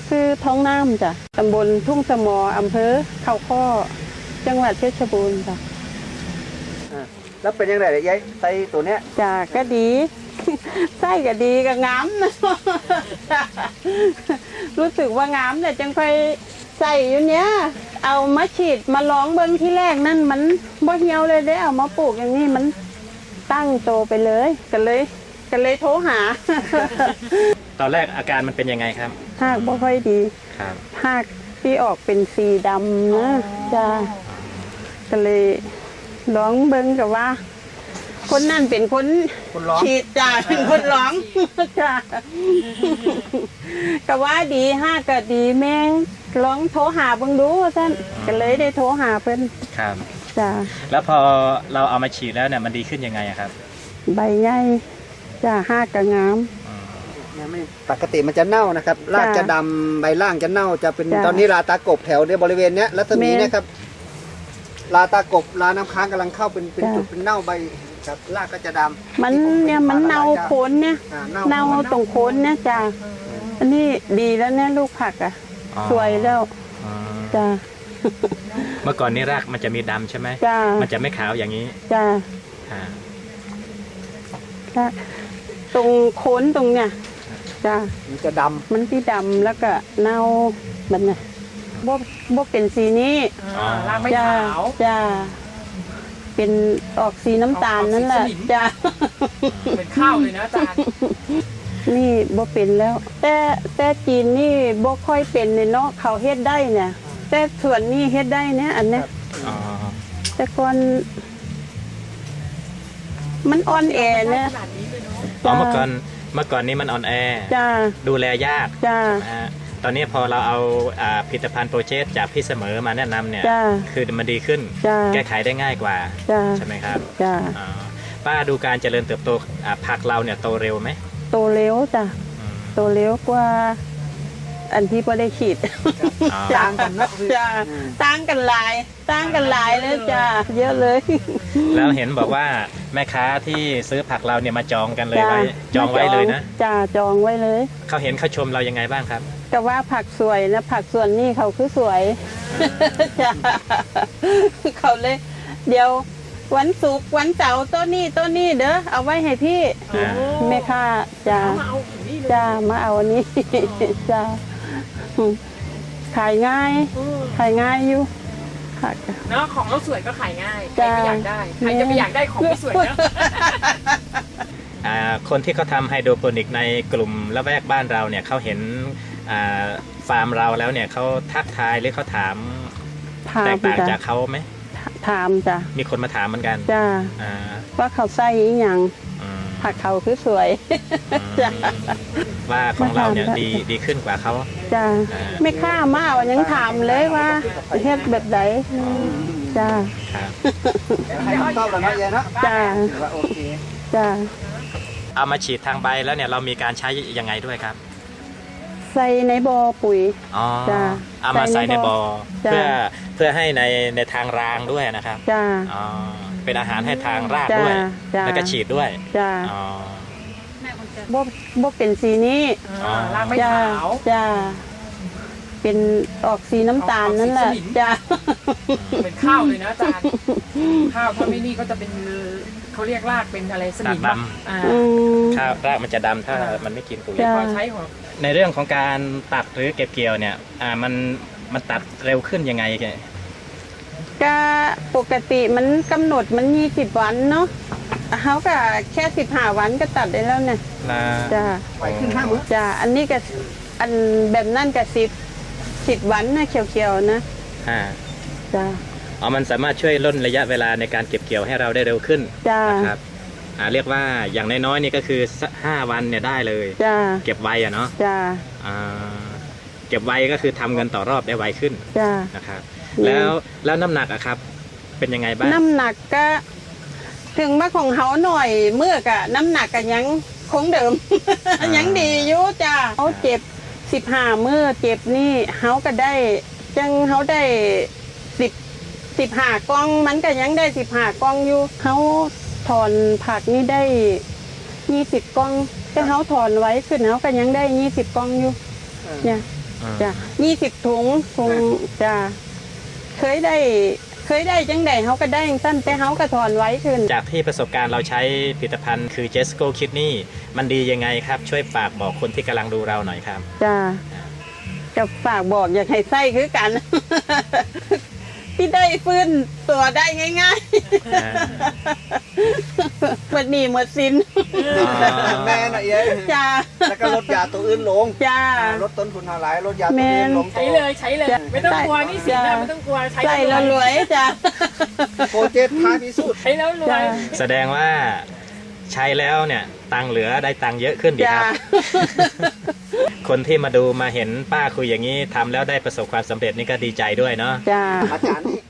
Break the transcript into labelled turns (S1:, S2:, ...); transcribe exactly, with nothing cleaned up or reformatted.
S1: คือท้องน้ำจ้ะตำบลทุ่งสมออำเภอเขาข้อจังหวัดเพชรบูรณ์จ้ะ
S2: แล้วเป็นยังไงยายไส้ตัวเนี้ย
S1: จ้ะก็ดีไส้ก็ดีก็งามนะรู้สึกว่างามแต่จังค่อยใส่อยู่เนี้ยเอามาฉีดมาลองเบิ้งที่แรกนั่นมันบ่เหี่ยวเลยได้เอามาปลูกอย่างนี้มันตั้งโตไปเลยกันเลยกันเลยโทรหา
S3: ตอนแรกอาการมันเป็นยังไงครับ
S1: หากบ่ค่อยดี
S3: ครับ
S1: หากที่ออกเป็นสีดำนะจ้าก็เลยร้องเบิ้งกับว่าคนนั่นเป็นคนฉีดจ้าเป็นคนร้องจ้าก็ว่าดีห้าก็ดีแม่ร้องโทรหาเบิ้งดูท่านก็เลยได้โทรหาเพิ่น
S3: ครับ
S1: จ้า
S3: แล้วพอเราเอามาฉีดแล้วเนี่ยมันดีขึ้นยังไงครับ
S1: ใบใหญ่จ้าห้ากระงาม
S2: ปกติมันจะเน่านะครับรากจะดำใบล่างจะเน่าจะเป็นตอนนี้ลาตากบแถวในบริเวณเนี้ยรัศมีเนี่ยครับลาตากบลาน้ำค้างกำลังเข้าเป็นเป็นจุดเป็นเน่าใบครับรากก็จะดำ
S1: มันเนี่ยมันเน่าโคนเนี่ยเน่าตรงโคนเนี่ยจ้าอันนี้ดีแล้วเนี่ยลูกผักอ่ะสวยแล้วจ้า
S3: เมื่อก่อนนี้รากมันจะมีดำใช่ไหม
S1: จ้า
S3: มันจะไม่ขาวอย่างนี้
S1: จ้าตรงโคนตรงเนี่ยจ้า
S2: มันจะดำ
S1: มันที่ดำแล้วก็เน่ามันน่ะบ่บ่เป็นสีนี้
S4: รากไม่ขาว
S1: จ้าเป็นออกสีน้ำตาลนั่นแหละจ้า
S4: เป็นข้าวเลยนะอาจารย์
S1: นี่บ่เป็นแล้วแต่แต่จีนนี่บ่ค่อยเป็นในเนาะเขาเฮ็ดได้เนี่ยแต่ส่วนนี้เฮ็ดได้เนี่ยอันเนี้ยแต่ก่อนมันอ่อนแอเนี่ย
S3: อ๋อเมื่อก่อนเมื่อก่อนนี้มันอ่อนแอดูแลยากนะฮะตอนนี้พอเราเอาผลิตภัณฑ์โปรเจกต์จากพี่เสมอมาแนะนำเนี่ยคือมันดีขึ้นแก้ไขได้ง่ายกว่าใช่ไหมครับป้าดูการเจริญเติบโตผักเราเนี่ยโตเร็วไหม
S1: โตเร็วจ้ะโตเร็วกว่าอันที่พอได้ฉีด
S2: ต่างกันนะ
S1: จ้าต่างกันหลายต่างกันหลายเลยจ้าเยอะเลย
S3: แล้วเห็นบอกว่าแม่ค้าที่ซื้อผักเราเนี่ยมาจองกันเลยไว้จองไว้เลยนะ
S1: จ้าจองไว้เลย
S3: เขาเห็นเขาชมเรายังไงบ้างครับ
S1: แต่ว่าผักสวยนะผักส่วนนี้เขาคือสวยจ้าเขาเลยเดี๋ยววันศุกร์วันเสาร์ต้นนี้ต้นนี้เด้อเอาไว้ให้พี่แม่ค้าจ้าจ้ามาเอาอันนี้จ้าขายง่ายขายง่ายอยู่ค่ะ
S4: เนาะของเราสวยก็ขายง่ายใครไม่อยากได้ใครจะไม่อยากได้ของไม่สวยเนาะ
S3: คนที่เขาทำไฮโดรโปนิกในกลุ่มละแวกบ้านเราเนี่ยเขาเห็นฟาร์มเราแล้วเนี่ยเขาทักทายหรือเขาถามแตกต่างจากเขาไหม
S1: ถามจ้ะ
S3: มีคนมาถามเหมือนกัน
S1: จ้าว่าเขาใส่ยังผักเขาคือสวยจ้า
S3: ว่าของเราเนี่ยดีดีขึ้นกว่าเขา
S1: จ้าไม่ค่ามาวันยังถามเลยว่าเฮ็ดแบบไหนจ้า
S2: ชอบแบบนั้นเนาะ
S1: จ้า
S2: โอเค
S1: จ้า
S3: เอามาฉีดทางใบแล้วเนี่ยเรามีการใช้ยังไงด้วยครับ
S1: ใส่ในบ่อปุ๋ย
S3: อ๋อเอามาใส่ในบ่อเพื่อเพื่อให้ในในทางรางด้วยนะครับ
S1: จ้า
S3: อ๋อเป็นอาหารให้ทางรากด้วยแล้วก็ฉีดด้วย
S1: จ้าอ๋อบ่บ่เป็นสีนี้
S4: รากไม่ขาว
S1: จ้าเป็นออกสีน้ำตาลนั่นแหละจ้า
S4: เป็นข้าวเลยนะอาจารย์ข้าวถ้าไม่นี่ก็จะเป็นเขาเรียกรากเป็นอะไรสนิม
S3: ดำข้าวรากมันจะดำถ้ามันไม่กินปุ๋ย
S4: พอใช้ของ
S3: ในเรื่องของการตัดหรือเก็บเกี่ยวเนี่ยอ่ามันมันตัดเร็วขึ้นยังไงแก
S1: ก็ปกติมันกำหนดมันยี่สิบวันเนาะเขาก็แค่สิบห้าวันก็ตัดได้แล้วเนี่ยจ้า
S2: ไปขึ้นห้ามื้อ
S1: จ้าอันนี้ก็อันแบบนั่นก็สิบสิบวันนะเขียวๆนะ
S3: อ่า
S1: จ้า
S3: อ๋อมันสามารถช่วยลดระยะเวลาในการเก็บเกี่ยวให้เราได้เร็วขึ้นนะครับอ่าเรียกว่าอย่างน้อยๆนี่ก็คือห้าวันเนี่ยได้เลย
S1: จ้า
S3: เก็บไวอะเนาะ
S1: จ้า
S3: อ่าเก็บไวก็คือทำเงินต่อรอบได้ไวขึ้น
S1: จ้า
S3: นะครับแล้วแล้วน้ำหนักอะครับเป็นยังไงบ้าง
S1: น้ำหนักก็ถึงมาของเขาหน่อยเมื่อกะน้ำหนักกันยังคงเดิมยังดีอยู่จ้าเขาเจ็บสิบห้าเมื่อเจ็บนี่เขาก็ได้จังเขาได้สิบสิบห้ากล้องมันก็ยังได้สิบห้ากล้องอยู่เขาถอนผักนี่ได้ยี่สิบกล้องแต่เขาถอนไว้ขึ้นเขาก็ยังได้ยี่สิบกล้องอยู่เนี่ยจ้ะยี่สิบถุงถุงจ้ะเคยได้เคยได้จังใดเขาก็ได้จังสั้นแต่เขาก็ถอนไว้ขึ้น
S3: จากที่ประสบการณ์เราใช้ผลิตภัณฑ์คือเจสโก้คิดนี่มันดียังไงครับช่วยฝากบอกคนที่กำลังดูเราหน่อยครับ
S1: จ้ะจะฝากบอกอยากให้ไส้คือกัน ที่ได้ฟื้นตัวได้ง่ายๆหมดหนี้หมดสิน
S2: แม่น่ะเอ้ย
S1: จ้า
S2: แล้วก็ลดยาตัวอื่นลง
S1: จ้า
S2: ลดต้นทุนหลายลดยาตัวอื่นลง
S4: ใช้เลยใช้เลยไม่ต้องกลัวนี่สินะไม่ต้องกลัวใช้
S1: ใส่แล้วรวยจ้า
S2: โปรเจกต์ท้ายพิสูจน์
S4: ใช้แล้วรวย
S3: แสดงว่าใช้แล้วเนี่ยตังค์เหลือได้ตังค์เยอะขึ้นดีครับ คนที่มาดูมาเห็นป้าคุยอย่างนี้ทำแล้วได้ประสบความสำเร็จนี่ก็ดีใจด้วยเนาะ
S1: จ้า
S2: อาจารย์นี่